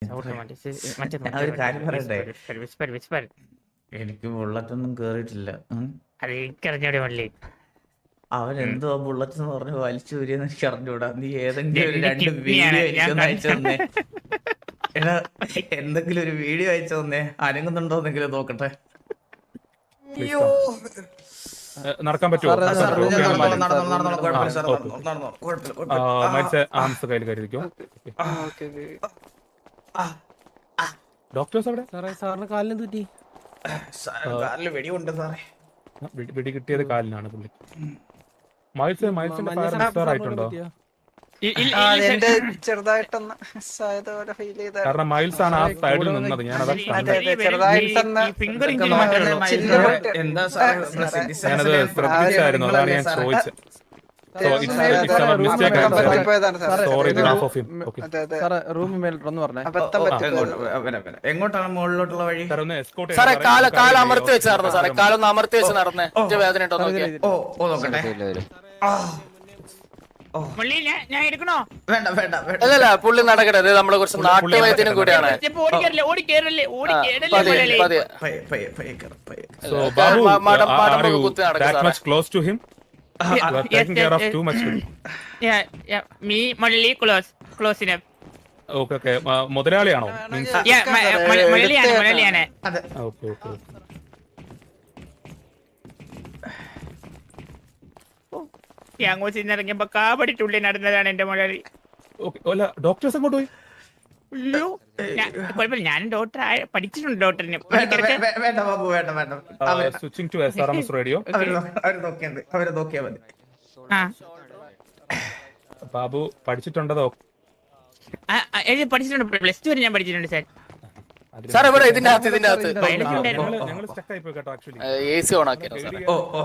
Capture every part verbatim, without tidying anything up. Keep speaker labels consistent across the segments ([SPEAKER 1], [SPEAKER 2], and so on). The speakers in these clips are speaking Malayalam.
[SPEAKER 1] ഒരു കാര്യം പറയട്ടെ, എനിക്ക് ബുള്ളറ്റൊന്നും കേറിയിട്ടില്ല.
[SPEAKER 2] അത് എനിക്കറിഞ്ഞൂടെ മള്ളി.
[SPEAKER 1] അവൻ എന്തോ ബുള്ളറ്റ് എന്ന് പറഞ്ഞ് വലിച്ചു വരിയെന്ന് എനിക്ക് അറിഞ്ഞൂടാ. നീ ഏതെങ്കിലും ഒരു രണ്ട് വീഡിയോ എനിക്കൊന്ന് അയച്ചു തന്നേ. എടാ എന്തെങ്കിലും ഒരു വീഡിയോ അയച്ചു തന്നേ, അനങ്ങുന്നുണ്ടോന്നെങ്കിലും നോക്കട്ടെ.
[SPEAKER 3] നടക്കാൻ പറ്റുമോ? ഡോക്ടേഴ്സ് അവിടെ
[SPEAKER 4] സാറിന് കാലിന് തെറ്റി.
[SPEAKER 1] വെടിയുണ്ട് സാറേ.
[SPEAKER 3] വെടി കിട്ടിയത് കാലിനാണ് പുള്ളി. മൈൽസ് മൈൽസിന്റെ ഫയർ എക്സ്പയർ ആയിട്ടുണ്ടോ? കാരണം മൈൽസ് ആണ് ആ സൈഡിൽ നിന്നത്. ഞാനത് ഞാനത് ശ്രദ്ധിച്ചായിരുന്നു, അതാണ് ഞാൻ ചോദിച്ചത്.
[SPEAKER 1] എങ്ങോട്ടാണ് മുകളിലോട്ടുള്ള വഴി?
[SPEAKER 5] സാറേ കാല് കാല് അമർത്തി വെച്ച് നടന്നു. സാറേ കാലൊന്ന് അമർത്തി വെച്ച് നടന്നേ. വേദന ഉണ്ടോ നോക്കിയേ.
[SPEAKER 1] ഓ ഓ നോക്കട്ടെ.
[SPEAKER 5] അല്ലല്ല പുള്ളി നടക്കട്ടെ. നമ്മളെ കുറച്ച് നാട്ടുവൈദ്യനും കൂടിയാണ്. കുത്തി നടക്കും.
[SPEAKER 3] മുതലാളിയാണോ?
[SPEAKER 2] അങ്ങോട്ട് ഇറങ്ങിയപ്പോ കാപടിട്ടുള്ളി നടന്നതാണ് എന്റെ മുതലാളി.
[SPEAKER 3] ഡോക്ടേഴ്സ് അങ്ങോട്ട് പോയി.
[SPEAKER 2] അയ്യോ കുഴപ്പമില്ല, ഞാനും ഡോക്ടർ പഠിച്ചിട്ടുണ്ട്. ഡോക്ടറിന്
[SPEAKER 1] വേണ്ട ബാബു വേണ്ട വേണ്ട.
[SPEAKER 3] Switching to S R M S radio.
[SPEAKER 1] അവരെ നോക്കിയാ മതി.
[SPEAKER 3] ബാബു പഠിച്ചിട്ടുണ്ടോ?
[SPEAKER 2] പഠിച്ചിട്ടുണ്ട്, പ്ലസ് ടു വരെ ഞാൻ പഠിച്ചിട്ടുണ്ട് സാർ.
[SPEAKER 5] സാർ ഇവിടെ ഇതിന്റെ അകത്ത് ഇതിന്റെ അകത്ത് എ സി ഓൺ ആക്കിയോ സാർ?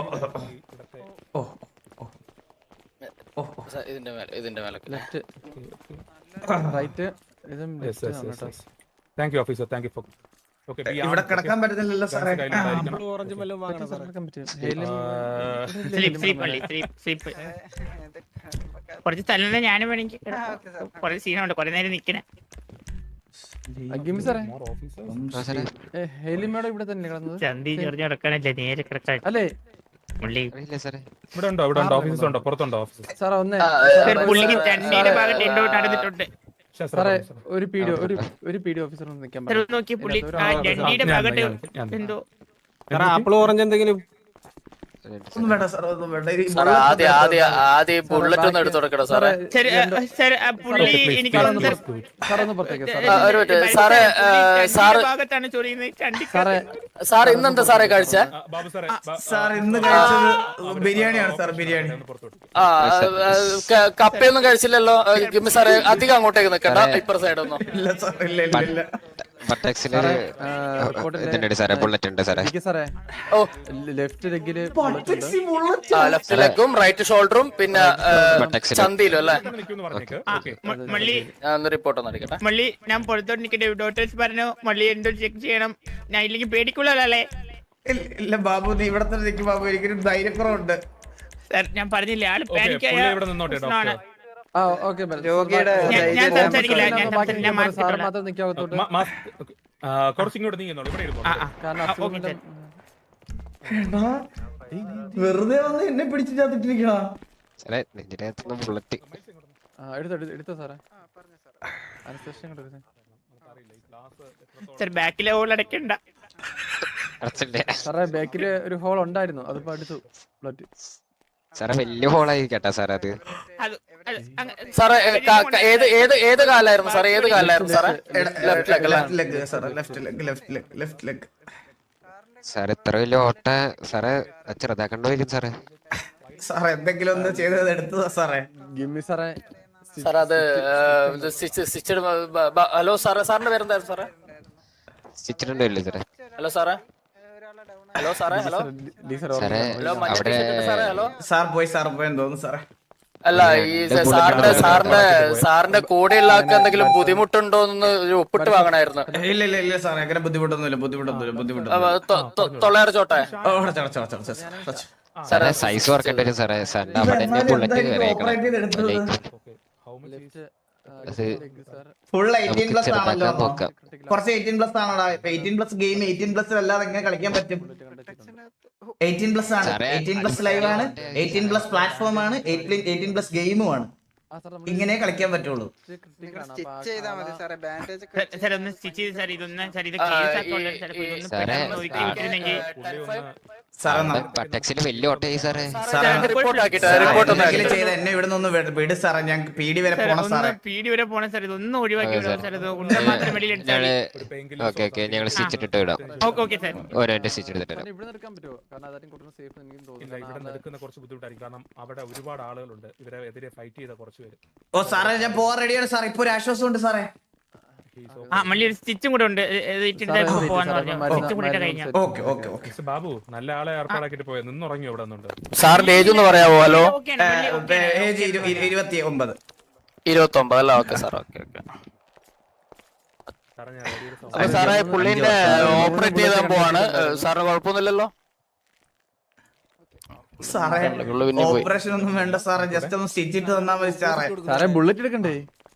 [SPEAKER 5] ഇതിന്റെ മേലെ ഇതിന്റെ മേലെ
[SPEAKER 4] right.
[SPEAKER 3] Thank you officer, thank you for.
[SPEAKER 1] ഇവിടെ കിടക്കാൻ പറ്റുന്നില്ലല്ലോ സാറേ.
[SPEAKER 2] കുറച്ച് സ്ഥലം ഞാനും വേണമെങ്കിൽ കുറെ സീനുണ്ട്, കുറെ നേരം നിക്കണേ. ചന്തി ചെറിഞ്ഞ കിടക്കാനല്ലേ, നേരെ കിടക്കാൻ അല്ലേ പുള്ളി.
[SPEAKER 3] ഇവിടെ ഉണ്ടോ? ഇവിടെ ഉണ്ടോ? ഓഫീസസ് ഉണ്ടോ? പുറത്തുണ്ടോ ഓഫീസസ്?
[SPEAKER 2] പുള്ളിക്ക് ചണ്ടിയുടെ ഭാഗത്ത് എന്തോ നടന്നിട്ടുണ്ട്.
[SPEAKER 4] ഒരു പീഡിയോ ഒരു ഒരു പീഡിയോ ഓഫീസർ നിൽക്കാൻ
[SPEAKER 2] നോക്കി പുള്ളി ചണ്ടിയുടെ ഭാഗത്ത് എന്തോ
[SPEAKER 4] ആപ്പിൾ ഓറഞ്ച് എന്തെങ്കിലും.
[SPEAKER 5] ആദ്യം ആദ്യം ആദ്യം ബുള്ളറ്റ് ഒന്ന് എടുത്തു കൊടുക്കണോ സാറേ?
[SPEAKER 2] പുള്ളി എനിക്ക്
[SPEAKER 5] സാറേ സാറ്
[SPEAKER 2] സാറേ
[SPEAKER 5] സാർ ഇന്നെന്താ സാറേ കഴിച്ച?
[SPEAKER 1] സാർ ഇന്ന് കഴിച്ചത് ബിരിയാണിയാണ് സാർ. ബിരിയാണി.
[SPEAKER 5] ആ കപ്പയൊന്നും കഴിച്ചില്ലല്ലോ സാറേ. അധികം അങ്ങോട്ടേക്ക് നിക്കണ്ട, ഇപ്പുറ സൈഡ് ഒന്നും.
[SPEAKER 1] ഇല്ല സാർ, ഇല്ല ഇല്ല ഇല്ല.
[SPEAKER 5] ലെഫ്റ്റ് ലെഗും റൈറ്റ് ഷോൾഡറും പിന്നെ ചന്തിയിലും അല്ലേ? റിപ്പോർട്ട് ഒന്ന് അടിക്കട്ടെ.
[SPEAKER 2] മള്ളി ഞാൻ പുറത്തോട്ട് നിൽക്കട്ടെ. ഡോക്ടേഴ്സ് പറഞ്ഞു മള്ളി എന്തോ ചെക്ക് ചെയ്യണം. ഞാൻ ഇല്ലെങ്കിൽ പേടിക്കുള്ളല്ലേ?
[SPEAKER 1] ഇല്ല ബാബു, നീ ഇവിടെ തന്നെ നിൽക്കും ബാബു. എനിക്കൊരു ധൈര്യക്കുറവുണ്ട്
[SPEAKER 2] സാർ. ഞാൻ പറഞ്ഞില്ലേ ആള് പാനിക്കായ.
[SPEAKER 3] കുറച്ചിങ്ങോട്ട് നീങ്ങുന്നുള്ളൂ.
[SPEAKER 1] വെറുതെ വന്ന് എന്നെ പിടിച്ചു ചാത്തിട്ടിരിക്കണ.
[SPEAKER 2] ബാക്കിലെ ഹോൾ അടയ്ക്കണ്ട
[SPEAKER 4] സാറേ. ബാക്കില് ഒരു ഹോൾ ഉണ്ടായിരുന്നു, അതിപ്പോ അടുത്തു ബ്ലഡ്.
[SPEAKER 6] സാറേ വലിയ ഹോളായി കേട്ടാ സാറേ അത്.
[SPEAKER 5] സാറേ ഏത് ഏത് ഏത് കാലായിരുന്നു സാറേ? ഏത് കാലായിരുന്നു സാറേ?
[SPEAKER 6] സാറേ ഇത്ര വലിയ ഓട്ട സാറേ ചെറുതാക്കണ്ടോ സാറേ?
[SPEAKER 1] സാറേ എന്തെങ്കിലും ഒന്ന് ചെയ്തത് എടുത്തതാ സാറേ.
[SPEAKER 4] ഗിമ്മി സാറേ.
[SPEAKER 5] സാർ അത് ഹലോ സാറേ, സാറിന്റെ പേരെന്തായിരുന്നു സാറേ?
[SPEAKER 6] സ്റ്റിച്ചിട്ടുണ്ടോ ഇല്ലേ സാറേ?
[SPEAKER 5] ഹലോ സാറേ. ഹലോ സാറേ. ഹലോ ഹലോ
[SPEAKER 1] സാർ പോയി സാർ പോയെന്ന് തോന്നുന്നു സാറേ.
[SPEAKER 5] അല്ല ഈ സാറിന്റെ സാറിന്റെ സാറിന്റെ കൂടെയുള്ള ആൾക്ക് എന്തെങ്കിലും ബുദ്ധിമുട്ടുണ്ടോ എന്ന് ഒപ്പിട്ട് വാങ്ങണായിരുന്നു.
[SPEAKER 1] ഇല്ല ഇല്ല ഇല്ല സാറേ, അങ്ങനെ ബുദ്ധിമുട്ടൊന്നുമില്ല. ബുദ്ധിമുട്ടൊന്നുമില്ല ബുദ്ധിമുട്ടൊന്നുമില്ല
[SPEAKER 5] തൊള്ളേറെ ചോട്ടെ
[SPEAKER 6] സാറേ. സൈസ് വർക്കേണ്ടി വരും സാറേ. സാറിന്റെ അവിടെ ബുള്ളറ്റ് കയറിയേക്കണം. അത്
[SPEAKER 1] ഫുൾ എയ്റ്റീൻ
[SPEAKER 6] നമുക്ക്
[SPEAKER 1] പ്ലസ് ആണല്ലോ
[SPEAKER 6] ചെറുതാക്കാൻ നോക്കാം.
[SPEAKER 1] കുറച്ച് എയ്റ്റീൻ പ്ലസ് ആണോടാ eighteen plus game eighteen plus അല്ലാതെ എങ്ങനെ കളിക്കാൻ പറ്റും എയ്റ്റീൻ പ്ലസ് ആണ്
[SPEAKER 6] സാറേ,
[SPEAKER 1] എയ്റ്റീൻ പ്ലസ് ലൈവ് ആണ് എയ്റ്റീൻ പ്ലസ് പ്ലാറ്റ്ഫോം ആണ് എയ്റ്റീൻ പ്ലസ് ഗെയിമും ആണ് ഇങ്ങനെ കളിക്കാൻ പറ്റുള്ളൂ
[SPEAKER 2] സാർ ഒന്ന് സ്റ്റിച്ച് ചെയ്ത് സാർ ഇതൊന്ന് സാർ ഇത് കേസ് ആക്കോട്ടെ സാർ ഇതൊന്ന്
[SPEAKER 6] സാറേ,
[SPEAKER 2] പെട്ടെന്ന് ഒതുക്കി വിട്ടിരുന്നെങ്കിൽ
[SPEAKER 1] സാറേ
[SPEAKER 6] ടെക്സിന് വലിയ ഓട്ടയായി സാറേ.
[SPEAKER 5] റിപ്പോർട്ട് ആക്കിട്ട് റിപ്പോർട്ട് ഒന്ന്
[SPEAKER 1] എന്തെങ്കിലും ചെയ്ത് എന്നെ ഇവിടെ നിന്ന് വിട് സാറേ ഞാൻ പീടി വരെ പോണം സാറേ
[SPEAKER 2] ഒന്ന് പീടി വരെ പോണം സാർ ഇതൊന്നും ഒഴിവാക്കി
[SPEAKER 6] ആ,
[SPEAKER 2] വിടാം
[SPEAKER 6] സാർ.
[SPEAKER 2] സാർ ഇത് ഉണ്ട മാത്രം വെളിയിൽ എടുത്താൽ
[SPEAKER 6] ഞങ്ങള് ഓക്കെ ഓക്കെ ഞങ്ങൾ സ്റ്റിച്ച് ഇട്ടിട്ട് വിടാം.
[SPEAKER 2] ഓക്കെ ഓക്കെ സാർ
[SPEAKER 6] ഓരോ സ്റ്റിച്ച് എടുത്തിട്ട് വരാം.
[SPEAKER 4] ഇവിടെ എടുക്കാൻ പറ്റുമോ കാരണം അതാരും കൂടുതൽ സേഫ് എനിക്കും
[SPEAKER 3] ഇല്ല ഇവിടെ
[SPEAKER 4] തോന്നുന്നു
[SPEAKER 3] എടുക്കുന്ന കുറച്ച് ബുദ്ധിമുട്ടായിരിക്കും കാരണം അവിടെ ഒരുപാട് ആളുകളുണ്ട് ഇവരെ എതിരെ ഫൈറ്റ് ചെയ്ത കുറച്ച് പേര്.
[SPEAKER 1] ഓ സാറേ ഞാൻ പോവാൻ റെഡിയാണ് സാർ ഇപ്പൊ ഒരു ആശ്വാസം ഉണ്ട് സാറേ
[SPEAKER 2] ആ മള്ളി ഒരു സ്റ്റിച്ചും കൂടെ ഉണ്ട് ഇത് ഇട്ടിട്ട് പോവാന്ന് പറഞ്ഞു സ്റ്റിച്ചും കൂടെ ഇട്ട് കഴിഞ്ഞാൽ
[SPEAKER 1] okay okay okay
[SPEAKER 3] mister Babu നല്ല ആളെ ഏർപ്പാടാക്കിട്ട് പോയത് നിന്നുറങ്ങി ഇവിടെ നിന്നുണ്ട്.
[SPEAKER 5] സാറിന്റെ ഏജ് ഒന്ന് പറയാവോ? ഹലോ,
[SPEAKER 1] ഏജ് ഇരുപത്തി ഒമ്പത്
[SPEAKER 5] ഇരുപത്തി ഒമ്പത് അല്ല? Okay sir, okay okay.
[SPEAKER 3] സാറേ ഞാൻ വലിയൊരു സം-
[SPEAKER 5] അപ്പൊ സാറേ പുള്ളിന്റെ ഓപ്പറേറ്റ് ചെയ്താൻ പോവാണ്. സാറിന് കുഴപ്പമൊന്നുമില്ലല്ലോ?
[SPEAKER 1] സാറേ
[SPEAKER 5] പുള്ളി പിന്നെ പോയി.
[SPEAKER 1] ഓപ്പറേഷൻ ഒന്നും വേണ്ട സാറേ ജസ്റ്റ് ഒന്ന് സ്റ്റിച്ച് ഇട്ട് തന്നാ മതി സാറേ
[SPEAKER 4] സാറേ ബുള്ളറ്റ് എടുക്കണ്ടേ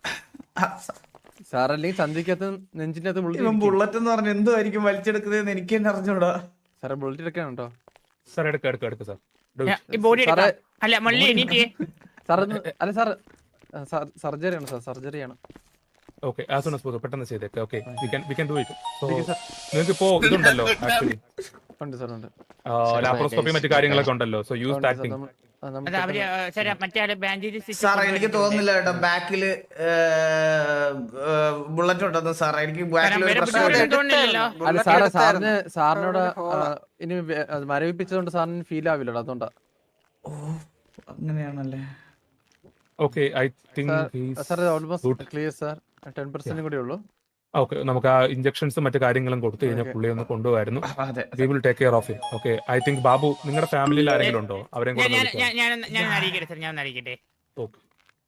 [SPEAKER 4] സാർ അല്ലെങ്കിൽ ചന്തിക്കകത്ത് നെഞ്ചിന്റെ അകത്ത്
[SPEAKER 1] ഇവൻ
[SPEAKER 4] ബുള്ളറ്റ്
[SPEAKER 1] ബുള്ളറ്റ് എന്ന് പറഞ്ഞ എന്തുമായിരിക്കും വലിച്ചെടുക്കുന്നതെന്ന് എനിക്ക് തന്നെ അറിഞ്ഞൂടാ
[SPEAKER 4] സാറേ ബുള്ളറ്റ് എടുക്കണം കേട്ടോ
[SPEAKER 3] സാർ എടുക്ക എടുക്ക എടുക്ക സാർ.
[SPEAKER 2] ഈ ബോഡി
[SPEAKER 4] സാറേ
[SPEAKER 2] അല്ല മള്ളി എനിക്ക്
[SPEAKER 4] സാർ അല്ല സാർ സർജറി ആണ് സാർ സർജറി ആണ്
[SPEAKER 3] okay as soon as possible പെട്ടെന്ന് ചെയ്തേക്ക്. Okay we can we can do it. So നിങ്ങൾക്ക് ഇപ്പോ ഇതുണ്ടല്ലോ ആക്ച്വലി
[SPEAKER 4] ഉണ്ട് സാർ ഉണ്ട്
[SPEAKER 3] ലാപ്രോസ്കോപ്പി മറ്റു കാര്യങ്ങളൊക്കെ ഉണ്ടല്ലോ. സോ യൂസ് ടാക്ടിങ്.
[SPEAKER 2] അത് അവര് സാർ മറ്റേ ആള് ബാൻഡേജ്
[SPEAKER 1] സാറേ എനിക്ക് തോന്നുന്നില്ല കേട്ടോ ബാക്കില് ബുള്ളറ്റ് ഉണ്ടെന്ന് സാറേ എനിക്ക് ബാക്കിൽ ഒരു പ്രശ്നമില്ല
[SPEAKER 2] തോന്നുന്നില്ലല്ലോ
[SPEAKER 4] അല്ല സാറേ സാറിന് സാറിനോട് ആ, ഇനി വേ- അത് മരവിപ്പിച്ചതുകൊണ്ട് സാറിന് ഫീൽ ആവില്ലടാ അതുകൊണ്ടാ
[SPEAKER 1] ഓ അങ്ങനെയാണല്ലേ
[SPEAKER 3] okay I think
[SPEAKER 4] sir almost clear sir ten percent കൂടി ഉള്ളൂ
[SPEAKER 3] ഓക്കെ നമുക്ക് ആ ഇഞ്ചക്ഷൻസും മറ്റു കാര്യങ്ങളും കൊടുത്തു കഴിഞ്ഞാൽ പുള്ളി ഒന്ന് കൊണ്ടുപോകായിരുന്നു.
[SPEAKER 1] അതെ
[SPEAKER 3] we will take care of him. Okay I think Babu നിങ്ങളുടെ ഫാമിലിയിൽ ആരെങ്കിലും ഉണ്ടോ? അവരെയും കൂടെ
[SPEAKER 2] ഞാൻ
[SPEAKER 3] ഒന്ന്
[SPEAKER 2] ഞാൻ ഞാൻ ഞാൻ അറിയിക്കട്ടെ സാർ ഞാൻ അറിയിക്കട്ടെ.
[SPEAKER 3] ഓക്കെ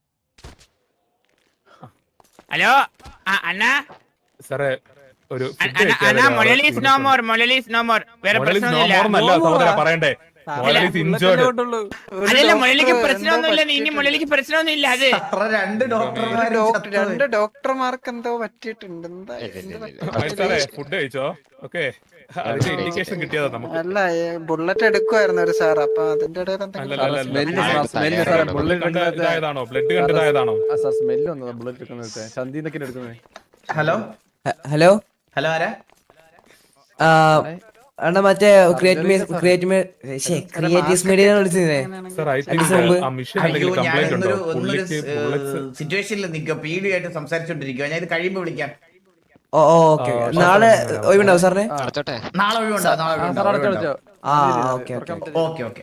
[SPEAKER 2] ഹലോ ആ അണ്ണാ
[SPEAKER 3] സാറേ ഒരു
[SPEAKER 2] അണ്ണാ മൊലലീസ് നോ മോർ മൊലലീസ് നോ മോർ വേറെ പ്രശ്നമൊന്നുമില്ല.
[SPEAKER 3] നല്ല സഹോദര പറയണ്ടേ ഇഞ്ചേർഡ്.
[SPEAKER 2] അതല്ല മൊലലിക്ക് പ്രശ്നമൊന്നുമില്ല ഇനി മൊലലിക്ക് പ്രശ്നമൊന്നുമില്ല. അത്
[SPEAKER 1] സാറേ രണ്ട് ഡോക്ടർമാർ
[SPEAKER 7] രണ്ട് ഡോക്ടർമാർക്ക് എന്തോ പറ്റിയിട്ടുണ്ട്. എന്താ
[SPEAKER 3] സാറേ ഫുഡ് കഴിച്ചോ? ഓക്കെ അതിന്റെ ഇൻഡിക്കേഷൻ കിട്ടിയതാ നമുക്ക്.
[SPEAKER 7] അല്ല ബുള്ളറ്റ് എടുക്കുമായിരുന്നു ഒരു സാർ, അപ്പൊ അതിന്റെ ഇടയിൽ
[SPEAKER 3] അല്ല,
[SPEAKER 7] എന്തെങ്കിലും
[SPEAKER 3] അല്ല, അല്ല,
[SPEAKER 4] സ്മെല്ല്
[SPEAKER 3] അല്ല.
[SPEAKER 4] സാർ സ്മെല്ല് സാറേ ബുള്ളറ്റ്
[SPEAKER 3] കണ്ട
[SPEAKER 4] എടുക്കുന്നത്
[SPEAKER 3] ഇതായതാണോ? ബ്ലഡ് കണ്ടതായതാണോ?
[SPEAKER 4] ആ സാർ സ്മെല്ല് വന്നതാ ബുള്ളറ്റ് എടുക്കുന്നത് ചന്തിന്നൊക്കെ എടുക്കുന്നത്
[SPEAKER 1] ഹലോ
[SPEAKER 8] ഹലോ
[SPEAKER 1] ഹലോ ആരാ
[SPEAKER 8] ആ അണ്ണാ മറ്റേ ക്രിയേറ്റീവ്സ് മീഡിയ വിളിച്ചേ
[SPEAKER 3] സാർ ഐ തിങ്ക് ആ മിഷൻ
[SPEAKER 1] അയ്യോ
[SPEAKER 3] എന്തെങ്കിലും
[SPEAKER 1] ഞാൻ
[SPEAKER 3] കംപ്ലൈന്റ് ഉണ്ടോ?
[SPEAKER 1] ഒന്നൊരു ഒന്നൊരു
[SPEAKER 3] പുള്ളിക്ക് ബുള്ളറ്റ്സ്
[SPEAKER 1] സിറ്റുവേഷനിൽ നിൽക്കുക പീഡിയായിട്ട് സംസാരിച്ചോണ്ടിരിക്കുക ഞാൻ ഇത് കഴിയുമ്പോ വിളിക്കാം
[SPEAKER 8] ഓ ഓക്കെ നാളെ ഒഴിവുണ്ടാവും സാറിന്
[SPEAKER 6] അടച്ചോട്ടെ.
[SPEAKER 1] നാളെ ഒഴിവുണ്ടോ നാളെ
[SPEAKER 4] സാർ
[SPEAKER 1] ഒഴിവുണ്ടോ
[SPEAKER 4] അടച്ചോ അടച്ചോ
[SPEAKER 8] ആ ഓക്കെ ഓക്കെ
[SPEAKER 1] ഓക്കെ ഓക്കെ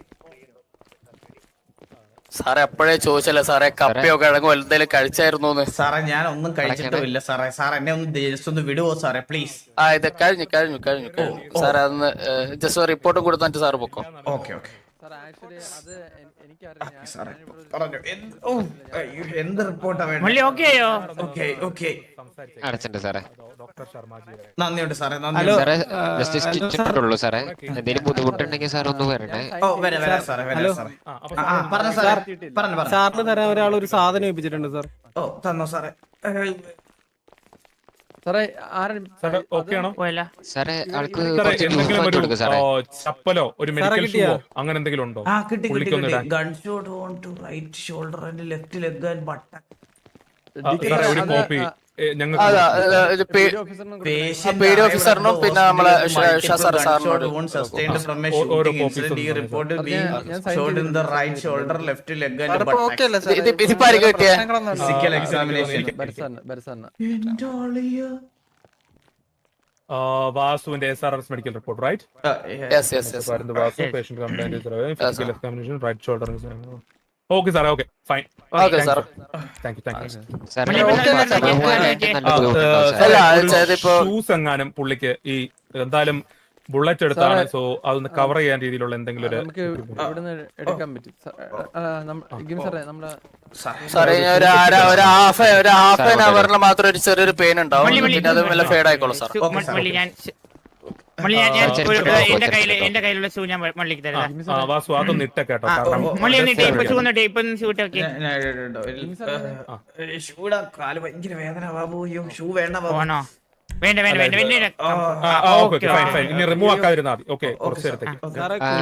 [SPEAKER 5] സാറേ അപ്പോഴേ ചോദിച്ചല്ലേ സാറേ കപ്പയോ കിഴങ്ങോ എന്തെങ്കിലും കഴിച്ചായിരുന്നു?
[SPEAKER 1] സാറേ ഞാൻ ഒന്നും കഴിച്ചിട്ടുമില്ല സാറേ സാർ എന്നെ ഒന്ന് ജസ്റ്റ് ഒന്ന് വിടുവോ സാറേ പ്ലീസ്
[SPEAKER 5] ആ ഇത് കഴിഞ്ഞു കഴിഞ്ഞു കഴിഞ്ഞു കഴിഞ്ഞു സാറേ അതൊന്ന് ജസ്റ്റ് റിപ്പോർട്ടും കൊടുത്തിട്ട് സാറ് പൊക്കോ.
[SPEAKER 1] ഓക്കെ ഓക്കെ
[SPEAKER 4] സാർ ആക്ച്വലി അത് എനിക്കറിയാം
[SPEAKER 1] സാറേ പറഞ്ഞു എന്ത്- ഓ, അയ്യോ, എന്ത് റിപ്പോർട്ടാ വേണ്ടത്
[SPEAKER 2] മള്ളി ഓക്കെ ആയോ?
[SPEAKER 1] ഓക്കെ ഓക്കെ
[SPEAKER 6] അടച്ചിട്ടുണ്ട് സാറേ.
[SPEAKER 3] ഡോക്ടർ ശർമാജി
[SPEAKER 1] നന്ദിയുണ്ട് സാറേ നന്ദി
[SPEAKER 6] സാറേ ജസ്റ്റ് സ്റ്റിച്ച് ഇട്ടിട്ടുള്ളൂ സാറേ. എന്തെങ്കിലും ബുദ്ധിമുട്ടുണ്ടെങ്കിൽ സാർ ഒന്ന് വരണേ.
[SPEAKER 1] ഓ വരാം വരാം സാറേ വരാം സാറേ
[SPEAKER 3] ആ അപ്പൊ
[SPEAKER 1] ആ, ആ, പറഞ്ഞു സാറേ പറഞ്ഞു പറഞ്ഞു
[SPEAKER 9] സാറിന് തരാൻ ഒരാൾ ഒരു സാധനം ഏൽപ്പിച്ചിട്ടുണ്ട് സാർ.
[SPEAKER 1] ഓ തന്നോ സാറേ ഏയ്,
[SPEAKER 4] സാറേ ആരും
[SPEAKER 3] സാറേ ഓക്കെ ആണോ?
[SPEAKER 2] പോയല്ല
[SPEAKER 6] സാറേ ആൾക്ക്
[SPEAKER 3] സാറേ
[SPEAKER 6] കുറച്ച്
[SPEAKER 3] എന്തെങ്കിലും
[SPEAKER 6] movement
[SPEAKER 3] ഒരു
[SPEAKER 6] കൊടുക്ക് സാറേ.
[SPEAKER 3] ഓ, ചപ്പലോ ഒരു മെഡിക്കൽ
[SPEAKER 9] കിട്ടിയോ?
[SPEAKER 3] ഷൂവോ അങ്ങനെ എന്തെങ്കിലും ഉണ്ടോ?
[SPEAKER 1] ആ കിട്ടി കിട്ടി
[SPEAKER 3] പുള്ളിക്കൊന്ന്
[SPEAKER 1] കിട്ടി
[SPEAKER 3] ഇടാൻ.
[SPEAKER 1] Gun shot on to right shoulder and left leg and button
[SPEAKER 3] ആ, സാറേ ഒരു കോപ്പി ഞങ്ങൾക്ക്
[SPEAKER 5] അതാ ഇത് പേ-
[SPEAKER 1] Patient
[SPEAKER 5] പേര്
[SPEAKER 1] arrived
[SPEAKER 5] ഓഫീസറിനും
[SPEAKER 1] at the
[SPEAKER 5] പിന്നെ നമ്മളെ
[SPEAKER 1] hospital with
[SPEAKER 5] ഷ- ഷ- സാർ
[SPEAKER 1] multiple
[SPEAKER 5] സാറിനോട്
[SPEAKER 1] gunshot wounds sustained from a
[SPEAKER 3] ഓ- ഓരോ
[SPEAKER 1] shooting
[SPEAKER 3] copies
[SPEAKER 1] incident. He
[SPEAKER 3] ഉണ്ട്.
[SPEAKER 1] reported
[SPEAKER 4] അത്
[SPEAKER 1] being
[SPEAKER 4] ഞാൻ- ഞാൻ sign
[SPEAKER 1] shot in the
[SPEAKER 4] ചെയ്തിട്ടുണ്ട്.
[SPEAKER 1] right shoulder, left leg and
[SPEAKER 7] സാറിപ്പോ
[SPEAKER 1] butt.
[SPEAKER 7] ഓക്കെ അല്ലേ സാർ?
[SPEAKER 5] ഇത് ഇതിപ്പോ ആർക്ക് കിട്ടിയേ?
[SPEAKER 7] പ്രശ്നങ്ങളൊന്നുമില്ല.
[SPEAKER 1] Physical examination.
[SPEAKER 4] ബരസാണ് ബരസാണ്
[SPEAKER 1] എന്റെ ആളിയാ.
[SPEAKER 3] ആ, വാസുവിന്റെ S R S medical report right?
[SPEAKER 5] Yes yes yes
[SPEAKER 3] Vasu patient complaint physical examination right shoulder. Okay സാറേ okay fine
[SPEAKER 5] okay sir.
[SPEAKER 3] Thank you thank you.
[SPEAKER 6] സാറേ
[SPEAKER 2] മള്ളി
[SPEAKER 6] നല്ല
[SPEAKER 2] ഓക്കെ അല്ലേ സാർ?
[SPEAKER 6] ബുദ്ധിമുട്ടുണ്ടാവും
[SPEAKER 5] അല്ല,
[SPEAKER 6] സാറേ.
[SPEAKER 5] അത് ചെയ്തിപ്പോ
[SPEAKER 3] ഷൂസ് എങ്ങാനും പുള്ളിക്ക് ഈ എന്തായാലും ബുള്ളറ്റ് എടുത്താണ്. സോ അതൊന്ന് കവർ ചെയ്യാൻ രീതിയിലുള്ള എന്തെങ്കിലും ഒരു
[SPEAKER 4] നമുക്ക് ഇവിടുന്ന് എടുക്കാൻ പറ്റും ഗിം സാറേ നമ്മുടെ
[SPEAKER 5] സാറേ ഇനി ഒരു അര ഒരു ഹാഫ് ഒരു ഹാഫ് ആൻ അവറിൽ മാത്രം ഒരു ചെറിയൊരു പെയിൻ ഉണ്ടാവും.
[SPEAKER 2] മള്ളി, മള്ളി.
[SPEAKER 5] പിന്നെ അത് മെല്ലെ ഫേഡ് ആയിക്കോളും സാർ.
[SPEAKER 2] മള്ളി ഞാൻ മള്ളി ഞാൻ ഞാൻ
[SPEAKER 6] ആ,
[SPEAKER 2] ഒരു-
[SPEAKER 6] ചെറുപ്പം
[SPEAKER 2] എന്റെ
[SPEAKER 6] ചെറുപ്പം
[SPEAKER 2] കയ്യില്
[SPEAKER 6] ചെറുപ്പം.
[SPEAKER 2] എന്റെ കയ്യിലുള്ള ഷൂ ഞാൻ മള്ളിക്ക്
[SPEAKER 3] ആ,
[SPEAKER 2] തരാം.
[SPEAKER 3] ആ, വാസു അതൊന്ന് ഇട്ട കേട്ടോ
[SPEAKER 1] ആ,
[SPEAKER 3] കാരണം
[SPEAKER 1] ഓ, ഓ,
[SPEAKER 2] മള്ളി ഒന്ന്
[SPEAKER 3] just
[SPEAKER 2] ടേപ്പ് ഷൂ
[SPEAKER 3] അറിയാം.
[SPEAKER 2] ഒന്ന് ടേപ്പ് ഒന്ന് ഷൂ ഇട്ടൊക്കെ.
[SPEAKER 1] ഞാൻ- ഞാൻ ഇടുന്നുണ്ട്. ഒരു- ഏ, ഷൂടാ കാല് ഭയങ്കര വേദന ബാബു. അയ്യോ ഷൂ വേണ്ട ബാബു.
[SPEAKER 2] ഓണോ വേണ്ട വേണ്ട വേണ്ട വേണ്ട
[SPEAKER 1] ആ,
[SPEAKER 3] ആ, ആ, ഓക്കെ ഓക്കെ ഫൈൻ ഫൈൻ ഇനി റിമൂവ് ആക്കാതിരുന്നാൽ മതി ഓക്കെ കുറച്ച് നേരത്തേക്ക്
[SPEAKER 1] ഓക്കെ.
[SPEAKER 9] സാറേ
[SPEAKER 6] ആ,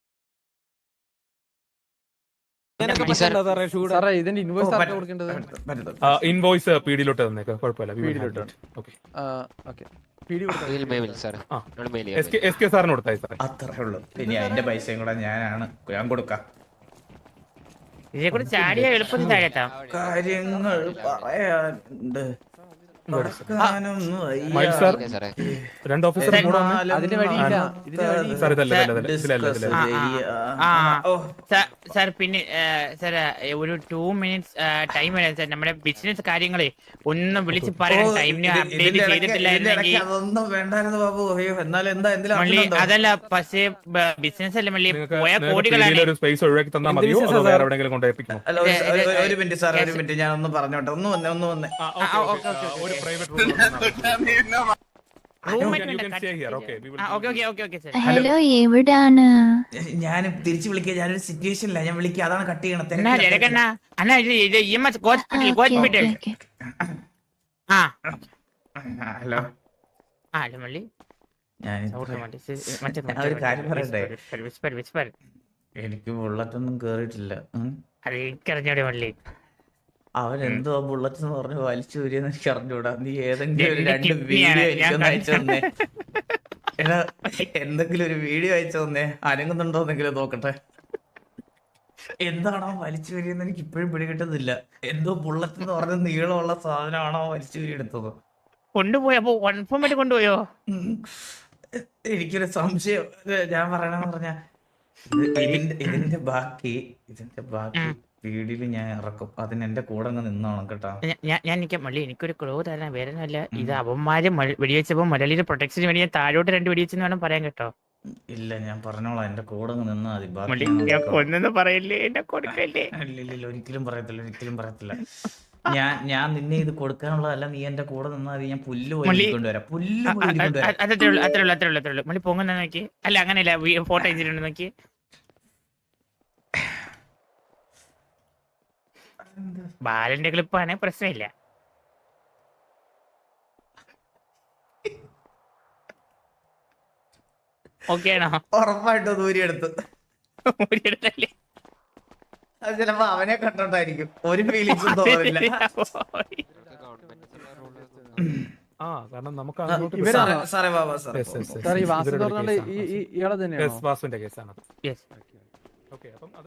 [SPEAKER 9] കുടിക്കാനൊക്കെ
[SPEAKER 6] ഈ സാർ-
[SPEAKER 9] പറ്റണ്ടോ സാറേ ഷൂടെ
[SPEAKER 4] സാറേ ഇതിന്റെ
[SPEAKER 1] ഓ,
[SPEAKER 4] ഇൻവോയ്സ്
[SPEAKER 1] പറ്റും,
[SPEAKER 4] ആർക്കാ കൊടുക്കേണ്ടത്?
[SPEAKER 1] പറ്റും, പറ്റും.
[SPEAKER 3] ഇൻവോയ്സ് പി ഡിയിലോട്ട് തന്നേക്ക് കുഴപ്പമില്ല
[SPEAKER 4] പീഡിയിലോട്ട്.
[SPEAKER 3] ഓക്കെ
[SPEAKER 4] ഓക്കെ പീഡി കൊടുത്താൽ
[SPEAKER 6] ഇതിൽ മെയിൽ സാർ
[SPEAKER 3] ആ.
[SPEAKER 6] നമ്മൾ mail
[SPEAKER 3] S K S K സാറിന് കൊടുത്തായി സാറേ
[SPEAKER 1] അത്രേ ഉള്ളൂ. ഇനി അതിന്റെ പൈസയും കൂടെ ഞാനാണ് ഞാൻ കൊടുക്കാം.
[SPEAKER 2] ഇതിനെ കൂടെ ചാടിയ എളുപ്പത്തിൽ താഴെത്താം.
[SPEAKER 1] കാര്യങ്ങൾ പറയാനുണ്ട്. നടക്കാനൊന്നും വയ്യ.
[SPEAKER 3] മൈൽ സാർ
[SPEAKER 6] സാറേ
[SPEAKER 3] രണ്ട് ഓഫീസർ കൂടെ വന്നേ.
[SPEAKER 1] എന്നാലും
[SPEAKER 4] അതിന്റെ വഴിയില്ല ഇതിന്റെ വഴിയില്ല.
[SPEAKER 3] സാർ ഇതല്ല ഇതല്ല ഇതല്ല ഇതിലല്ല
[SPEAKER 1] ഡിസ്കസ്
[SPEAKER 3] ഇതിലല്ല
[SPEAKER 1] ചെയ്യാം.
[SPEAKER 2] ആ,
[SPEAKER 1] ഓ,
[SPEAKER 2] സാർ- സാർ പിന്നെ സാർ ഒരു ടു മിനിറ്റ്സ് ടൈം വരാം സാർ. നമ്മുടെ ബിസിനസ് കാര്യങ്ങളെ ഒന്ന് വിളിച്ച് പറയണം.
[SPEAKER 1] ഓ,
[SPEAKER 2] ടൈമിന്
[SPEAKER 1] ഇത്
[SPEAKER 2] അപ്ഡേറ്റ്
[SPEAKER 1] ഇതിന്റെ ഇടയ്ക്ക്
[SPEAKER 2] ചെയ്തിട്ടില്ലായിരുന്നെങ്കിൽ
[SPEAKER 1] ഇതിന്റെ ഇടയ്ക്ക് അതൊന്നും വേണ്ടായിരുന്നു ബാബു. അയ്യോ എന്നാലും എന്താ എന്തിലും
[SPEAKER 2] മള്ളി
[SPEAKER 1] അർത്ഥമുണ്ടോ?
[SPEAKER 2] അതല്ല പക്ഷേ ബിസിനസ് അല്ല മള്ളി
[SPEAKER 3] നിങ്ങൾക്ക്
[SPEAKER 2] പോയ
[SPEAKER 3] നിങ്ങൾക്ക്
[SPEAKER 2] കോടികളാണ്.
[SPEAKER 3] പി ഡിയിൽ ഒരു സ്പേസ് ഒഴിവാക്കി തന്നാൽ
[SPEAKER 9] എന്ത്
[SPEAKER 3] മതിയോ അതോ
[SPEAKER 9] business ആ
[SPEAKER 3] വേറെ
[SPEAKER 9] സാർ?
[SPEAKER 3] എവിടെയെങ്കിലും കൊണ്ട് ഏൽപ്പിക്കണോ
[SPEAKER 1] അല്ല, ഒരു-
[SPEAKER 2] ഇത്
[SPEAKER 1] ഒരു-
[SPEAKER 2] ഇത്
[SPEAKER 1] ഒരു മിനിറ്റ് സാർ, ഒരു
[SPEAKER 2] yes.
[SPEAKER 1] മിനിറ്റ് ഞാൻ ഒന്ന് പറഞ്ഞോട്ടെ. ഒന്ന് വന്നേ ഒന്ന് വന്നേ.
[SPEAKER 3] ആ,
[SPEAKER 2] ആ,
[SPEAKER 3] okay,
[SPEAKER 2] okay,
[SPEAKER 3] okay.
[SPEAKER 2] okay,
[SPEAKER 3] ഒരു
[SPEAKER 2] okay.
[SPEAKER 3] Private room
[SPEAKER 2] roommate
[SPEAKER 3] you
[SPEAKER 2] വേണ്ട,
[SPEAKER 3] can
[SPEAKER 2] cut
[SPEAKER 3] stay here.
[SPEAKER 2] ചെയ്ത്.
[SPEAKER 3] Okay, we will
[SPEAKER 2] ആ,
[SPEAKER 3] give
[SPEAKER 2] okay,
[SPEAKER 3] you-
[SPEAKER 2] okay, okay, okay, sir.
[SPEAKER 10] Hello എവിടാണ്?
[SPEAKER 1] ഞാൻ തിരിച്ചു വിളിക്കുക. ഞാനൊരു സിറ്റുവേഷനില്ല. ഞാൻ വിളിക്കുക. അതാണ് കട്ട് ചെയ്യണത്.
[SPEAKER 2] അണ്ണാ ജനകണ്ണ അണ്ണാ ഇത് ഇത് E M S hospital hospital ആ
[SPEAKER 1] ഹലോ.
[SPEAKER 2] ആ അല്ല മള്ളി
[SPEAKER 1] ഞാൻ
[SPEAKER 2] സൗണ്ട് മതി. ശരി, മറ്റേ
[SPEAKER 1] ഞാൻ ഒരു കാര്യം പറയട്ടെ?
[SPEAKER 2] Whisper, whisper, whisper.
[SPEAKER 1] എനിക്ക് ബുള്ളറ്റൊന്നും കേറിയിട്ടില്ല. ഉം.
[SPEAKER 2] അത് എനിക്കറിഞ്ഞൂടെ മള്ളി.
[SPEAKER 1] അവൻ എന്തോ ബുള്ളറ്റ് എന്ന് പറഞ്ഞ് വലിച്ചു വരിയെന്ന് എനിക്ക് അറിഞ്ഞൂടാ. നീ ഏതെങ്കിലും ഒരു
[SPEAKER 2] എന്റെ
[SPEAKER 1] രണ്ട്
[SPEAKER 2] kidney
[SPEAKER 1] വീഡിയോ
[SPEAKER 2] ആണ് ഞാൻ
[SPEAKER 1] എനിക്കൊന്ന് അയച്ചു
[SPEAKER 2] കണ്ടത്.
[SPEAKER 1] തന്നേ. എടാ എന്തെങ്കിലും ഒരു വീഡിയോ അയച്ചു തന്നേ. അനങ്ങുന്നുണ്ടോന്നെങ്കിലും നോക്കട്ടെ. എന്താണോ വലിച്ചു വരിയെന്ന് എനിക്ക് ഇപ്പോഴും പിടികിട്ടുന്നില്ല. എന്തോ ബുള്ളറ്റ് എന്ന് പറഞ്ഞ നീളമുള്ള സാധനമാണോ വലിച്ചു വരി എടുത്തത്?
[SPEAKER 2] കൊണ്ടുപോയി അപ്പൊ കൺഫേം ആയിട്ട് കൊണ്ടുപോയോ?
[SPEAKER 1] ഉം. എനിക്കൊരു സംശയം. ഇത് ഞാൻ പറയണെന്ന് പറഞ്ഞ ഇതിന്റെ ഇതിന്റെ ബാക്കി ഇതിന്റെ ബാക്കി
[SPEAKER 2] ഉം.
[SPEAKER 1] വീഡിയോയിൽ ഞാൻ ഇറക്കും. അതിന് എന്റെ കൂടെ അങ്ങ് നിന്നോണം കേട്ടോ.
[SPEAKER 2] ഞാ- ഞാൻ ഞാൻ നിൽക്കാം മള്ളി. എനിക്കൊരു ക്ലോ തരാൻ വേറെ ഒന്നുമല്ല. ഇത് അവന്മാര് മ- വെടിവെച്ചപ്പോ മലയാളിയുടെ പ്രൊട്ടക്ഷന് വേണ്ടി ഞാൻ താഴോട്ട് രണ്ട് വെടിവെച്ചെന്ന് വേണം പറയാൻ കേട്ടോ.
[SPEAKER 1] ഇല്ല ഞാൻ പറഞ്ഞോളാം. എന്റെ കൂടെ അങ്ങ് നിന്നാ മതി. ബാക്കി
[SPEAKER 2] മള്ളി
[SPEAKER 1] ഞാൻ
[SPEAKER 2] ഞാൻ
[SPEAKER 1] നോക്കാം.
[SPEAKER 2] കൊന്നെന്ന് പറയില്ലേ, എന്നെ കൊടുക്കല്ലേ.
[SPEAKER 1] ഇല്ല, ഇല്ല, ഇല്ല, ഒരിക്കലും പറയത്തില്ല, ഒരിക്കലും പറയത്തില്ല. ഞാൻ ഞാൻ നിന്നെ ഇത് കൊടുക്കാനുള്ളതല്ല. നീ എന്റെ കൂടെ നിന്നാ മതി. ഞാൻ പുല്ല് പോയി
[SPEAKER 2] മള്ളി-
[SPEAKER 1] കൊണ്ടുവരാം. പുല്ല്
[SPEAKER 2] അ-
[SPEAKER 1] പോയി
[SPEAKER 2] അ-
[SPEAKER 1] കൊണ്ടുവരാം.
[SPEAKER 2] അ- അത്രേ ഉള്ളൂ, അത്രേ ഉള്ളൂ, അത്രേ ഉള്ളൂ, അത്രേ ഉള്ളൂ. മള്ളി പൊങ്ങുന്ന നോക്കി. അല്ല അങ്ങനെയല്ല, ഫോട്ടോ അയച്ചിട്ടുണ്ട് നോക്കി. ബാലന്റെ ക്ലിപ്പാണ്, പ്രശ്നമില്ല. ഓക്കെ ആണോ?
[SPEAKER 1] ഉറപ്പായിട്ടും ദൂരി എടുത്ത്.
[SPEAKER 2] ഒരിടത്തല്ലേ.
[SPEAKER 1] അത് ചിലപ്പോ അവനെ കണ്ടോണ്ടായിരിക്കും. ഒരു ഫീലിങ്സും തോന്നില്ല.
[SPEAKER 3] ആ കാരണം നമുക്ക് അങ്ങോട്ട്
[SPEAKER 4] ഇവരാണോ?
[SPEAKER 1] സാറേ സാറേ ബാബാ സാറേ
[SPEAKER 3] Yes, yes, yes.
[SPEAKER 4] സാർ ഈ വാസു
[SPEAKER 3] ഇവരുടെ
[SPEAKER 4] പറഞ്ഞാൽ
[SPEAKER 3] കേസാണ്.
[SPEAKER 4] ഈ ഈ- ഇയാളെ തന്നെയാണോ?
[SPEAKER 3] Yes, വാസുവിന്റെ കേസാണ്
[SPEAKER 2] Yes.
[SPEAKER 3] ഓക്കെ അപ്പം അത്